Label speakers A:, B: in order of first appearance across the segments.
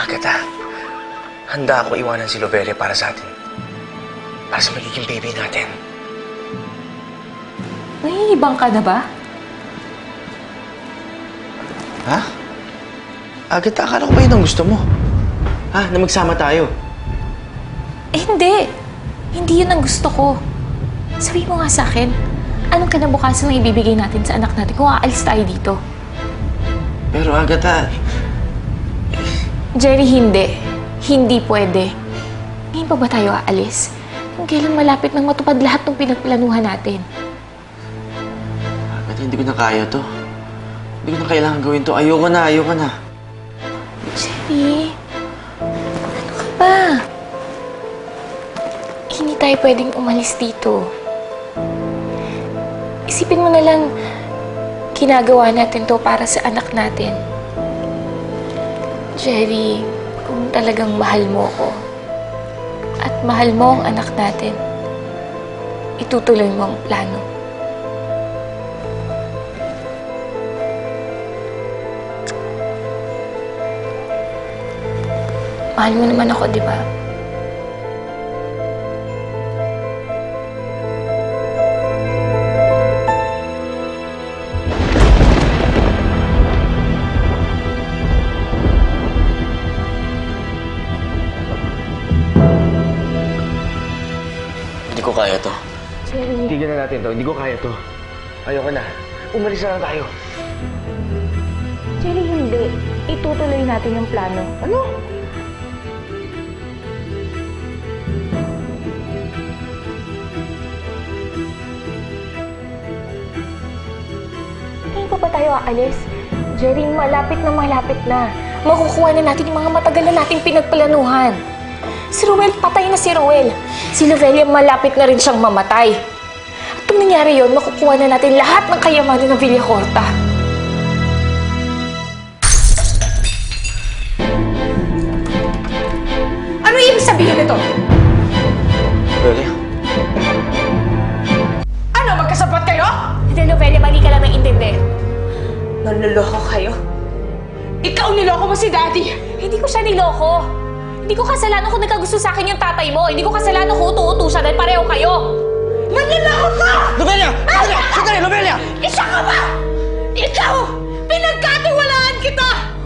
A: Agatha, handa ako iwanan si Lovelia para sa atin. Para sa magiging baby natin.
B: Nahihibang ka na ba?
A: Ha? Agatha, akala ko ba yun ang gusto mo? Ha? Na magsama tayo?
B: Hindi. Hindi yun ang gusto ko. Sabi mo nga sa akin, anong kinabukasan na ibibigay natin sa anak natin kung aalis tayo dito?
A: Pero Agatha...
B: Jerry, hindi. Hindi pwede. Ngayon pa ba tayo aalis? Kung kailan malapit nang matupad lahat ng pinagplanuhan natin.
A: Agatha, hindi ko na kaya to. Hindi ko na kailangan gawin to. Ayoko na.
B: Jerry, ano ka ba? Hindi tayo pwedeng umalis dito. Isipin mo na lang, ginagawa natin to para sa anak natin. Jerry, kung talagang mahal mo ko at mahal mo ang anak natin, itutuloy mo ang plano. Mahal mo naman ako, di ba?
A: Hindi ko kaya to.
B: Jerry.
A: Tignan na natin to. Hindi ko kaya to. Ayoko na. Umalis na lang tayo.
B: Jerry, hindi. Itutuloy natin yung plano.
A: Ano?
B: Ngayon pa ba tayo aalis? Jerry, malapit na. Makukuha na natin yung mga matagal na nating pinagplanuhan. Si Ruel, patay na si Ruel. Si Lovelia, malapit na rin siyang mamatay. At kung nangyari yun, makukuha na natin lahat ng kayamanan ng Villacorta.
C: Ano ibig sabihin nito?
A: Lovelia?
C: Ano, magkasapat kayo?
B: Hindi, Lovelia, mali ka lang ng intindi.
C: Nanloloko kayo? Ikaw niloko mo si Daddy!
B: Hindi ko siya niloko. Hindi ko kasalanan kung nagkagusto sa akin yung tatay mo. Hindi ko kasalanan kung utu-utu siya dahil pareho kayo.
C: Nanloloko ka!
A: Lovelia! Sandali! Lovelia!
C: Isa ka ba? Ikaw! Pinagkatiwalaan kita!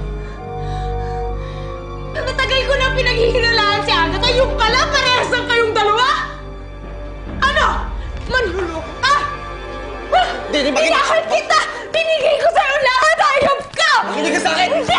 C: Matagal ko na pinaghihinalaan si Agatha. Yung pala, parehas lang kayong dalawa? Ano? Manloloko ka?
A: Hindi,
C: Inakal kita! Binigay ko sa'yo lahat! Hayop ka!
A: Makinig ka sa akin!
C: Hindi!